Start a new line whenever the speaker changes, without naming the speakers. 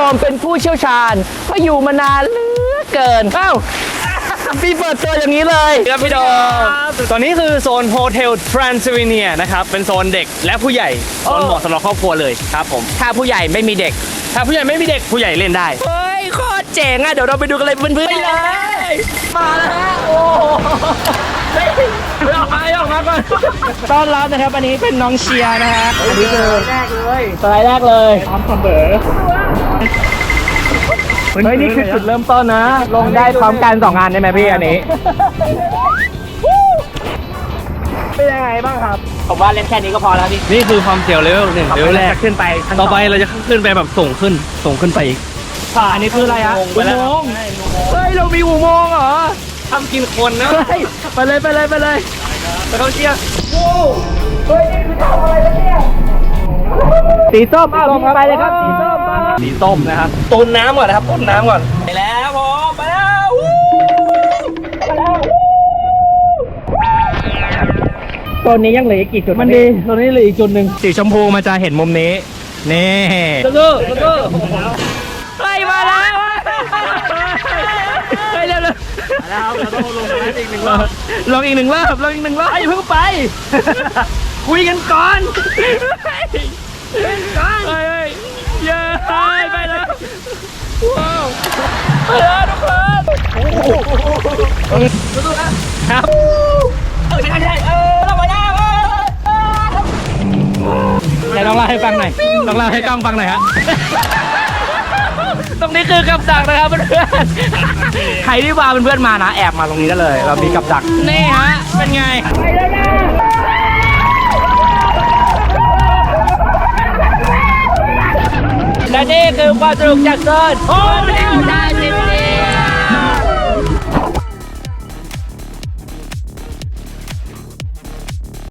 มเป็นผู้เชี่ยวชาญเพราะอยู่มานานเหลือเกินพี่เปิดตัวอย่างนี้เลยครับพี่โดม
ตอนนี้คือโซนโฮเทลทรานซิลเวเนียนะครับเป็นโซนเด็กและผู้ใหญ่โซนเหมาะสำหรับครอบครัวเลยครับผม
ถ้าผู้ใหญ่ไม่มีเด็ก
ถ้าผู้ใหญ่ไม่มีเด็กผู้ใหญ่เล่นได้
เฮ้ยโคตรเจ๋งอ่ะเดี๋ยวเราไปดูกันเลยเพื่อนๆเลยมาแล้วฮะโอ้ออกมาก่อนต้อนรับนะครับอันนี้เป็นน้องเชียร์นะฮะอันนี้คือแรกเลยสไลด์แรกเลยพร้อมเสมอเฮ้ยนี่คือจุดเริ่มต้นนะลงได้พร้อมกัน2งานได้ไหมพี่อันนี้เป็นยังไงบ้างครับผมว่าเล่นแค่นี้ก็พอแล้วพี่
นี่คือความเสียวเลเวล1เลเวลแรก
ขึ้นไป
ต่อไปเราจะขึ้นไปแบบส่งขึ้นไปอีก
อันนี้คืออะไรฮะ
อุโมงค์
เฮ้ยเรามีอุโมงค์เหรอ
ทำกินคนนะ
เฮ้ยไปเลยไปเขาเชียร์สีส้มไปเลยครับสีส้ม
สีส้มนะครับต้นน้ำก่อนนะครับต้นน้ำก่อน
ไปแล้วผมไปแล้วตัวนี้ยังเหลืออีกกี่จุดมันดีตัวนี้เหลืออีกจุดหนึ่งสีชมพูมันจะเห็นมุมนี้นี่สู้เฮ้ยมาแล้วเฮ้ยเร็วๆ
แล้วเราต้องลงไปอีก1 รอบ
ลองอีกหนึ่งรอบอย่าเพิ่งไป คุยกันก่อนเฮ้ยเย้ไปแล้วว้าวไปแล้วทุกคนสู้ๆนะครับใช่เราไปแล้วไหนลองเล่าให้ฟังหน่อยลองเล่าให้กล้องฟังหน่อยฮะตรงนี้คือกับดักนะครับเพื่อนๆใครที่มาเป็นเพื่อนมานะแอบมาตรงนี้ได้เลย เรามีกับดักนี่ฮะเป็นไงและนี่คือความสนุกจากโซนโฮเทลทรานซิล